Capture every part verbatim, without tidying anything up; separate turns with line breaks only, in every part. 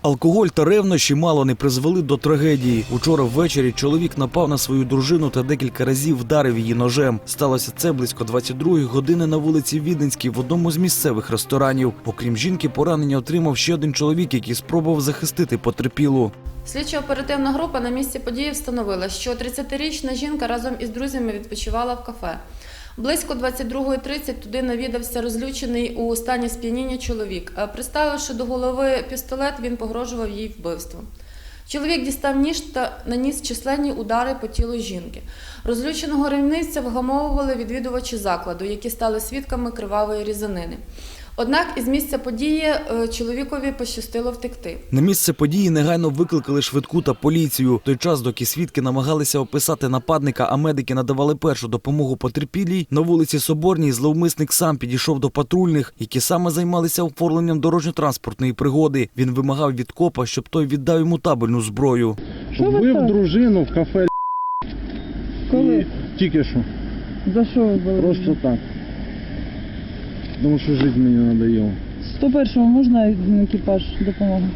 Алкоголь та ревнощі мало не призвели до трагедії. Учора ввечері чоловік напав на свою дружину та декілька разів вдарив її ножем. Сталося це близько двадцять другої години на вулиці Віденській в одному з місцевих ресторанів. Окрім жінки, поранення отримав ще один чоловік, який спробував захистити потерпілу.
Слідчо-оперативна група на місці події встановила, що тридцятирічна жінка разом із друзями відпочивала в кафе. Близько двадцять другої тридцять туди навідався розлючений у стані сп'яніння чоловік. Приставивши до голови пістолет, він погрожував їй вбивством. Чоловік дістав ніж та наніс численні удари по тілу жінки. Розлюченого ревнивця вгамовували відвідувачі закладу, які стали свідками кривавої різанини. Однак із місця події чоловікові пощастило втекти.
На місце події негайно викликали швидку та поліцію. В той час, доки свідки намагалися описати нападника, а медики надавали першу допомогу потерпілій, на вулиці Соборній зловмисник сам підійшов до патрульних, які саме займалися оформленням дорожньо-транспортної пригоди. Він вимагав від копа, щоб той віддав йому табельну зброю.
Вбив дружину в кафе.
Коли?
Тільки що.
За що ви були?
Просто так. Тому що жити мені надоело.
сто першого можна екіпаж допомоги?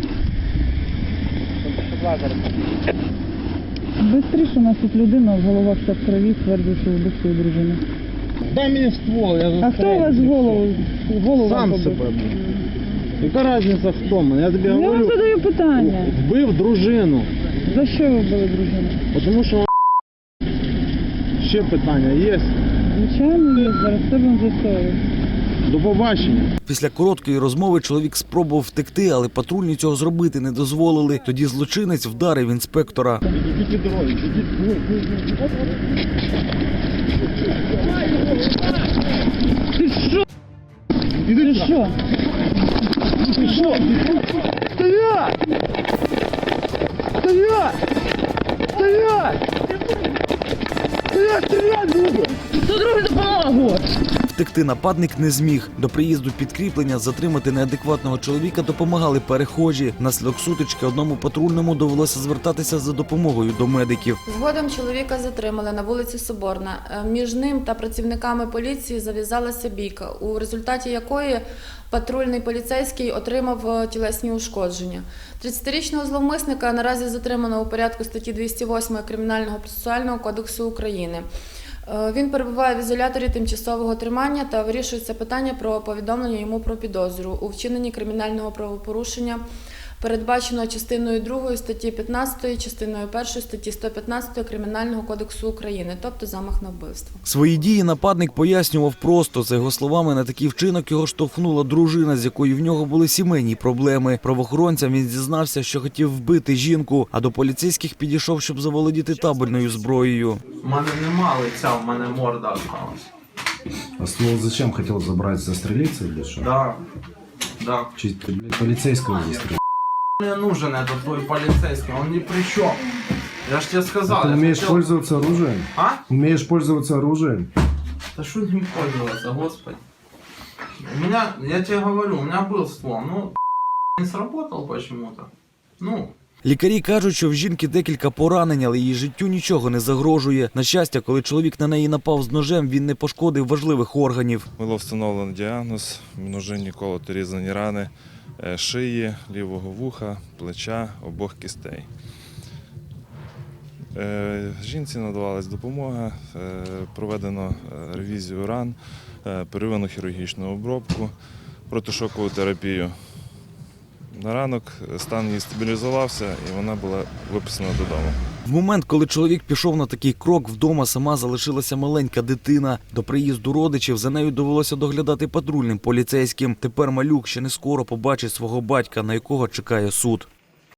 Бистріше, у нас тут людина, в головах вся в крові, стверджує, що вбив свою дружину.
Дай мені ствол, я застрелю.
А хто у вас в голову? В голову
Сам
побив?
себе. Яка різниця хто мене? Я тобі
Я
говорю.
вам задаю питання.
Вбив дружину.
За що ви вбили дружину?
Тому що ще питання є.
Звичайно, є. Зараз все будемо з'ясовувати.
До побачення.
Після короткої розмови чоловік спробував втекти, але патрульні цього зробити не дозволили. Тоді злочинець вдарив інспектора.
Ідіть від дороги, ідіть.
Ти що? Ти що?
Ти що? Стоять! Стоять! Стоять! Стоять, стрілять буду!
Хто другий допомогу?
Втекти нападник не зміг. До приїзду підкріплення затримати неадекватного чоловіка допомагали перехожі. Внаслідок сутички одному патрульному довелося звертатися за допомогою до медиків.
Згодом чоловіка затримали на вулиці Соборна. Між ним та працівниками поліції зав'язалася бійка, у результаті якої патрульний поліцейський отримав тілесні ушкодження. тридцятирічного зловмисника наразі затримано у порядку статті двісті восьмої Кримінального процесуального кодексу України. Він перебуває в ізоляторі тимчасового тримання та вирішується питання про повідомлення йому про підозру у вчиненні кримінального правопорушення, передбаченого частиною другою статті п'ятнадцятої, частиною першої статті сто п'ятнадцять Кримінального кодексу України, тобто замах на вбивство.
Свої дії нападник пояснював просто. За його словами, на такий вчинок його штовхнула дружина, з якою в нього були сімейні проблеми. Правоохоронцям він зізнався, що хотів вбити жінку, а до поліцейських підійшов, щоб заволодіти табельною зброєю.
У мене нема лиця, у мене морда осталась.
А ствол зачем хотел забрать, застрелиться или что?
Да, да.
Чуть ты, блядь, полицейского застрелил.
Мне нужен этот твой полицейский, он ни при чем. Я ж тебе сказал.
Ты
я
умеешь
хотел-
пользоваться оружием?
А?
Умеешь пользоваться оружием?
Да что ним пользоваться, господи. У меня, я тебе говорю, у меня был ствол, ну, не сработал почему-то. Ну,
Лікарі кажуть, що в жінки декілька поранень, але її життю нічого не загрожує. На щастя, коли чоловік на неї напав з ножем, він не пошкодив важливих органів.
Було встановлено діагноз, множинні колоти різані рани е, шиї, лівого вуха, плеча, обох кістей. Е, Жінці надавалась допомога, е, проведено е, ревізію ран, е, первинну хірургічну обробку, протишокову терапію. На ранок стан її стабілізувався і вона була виписана додому.
В момент, коли чоловік пішов на такий крок, вдома сама залишилася маленька дитина. До приїзду родичів за нею довелося доглядати патрульним поліцейським. Тепер малюк ще не скоро побачить свого батька, на якого чекає суд.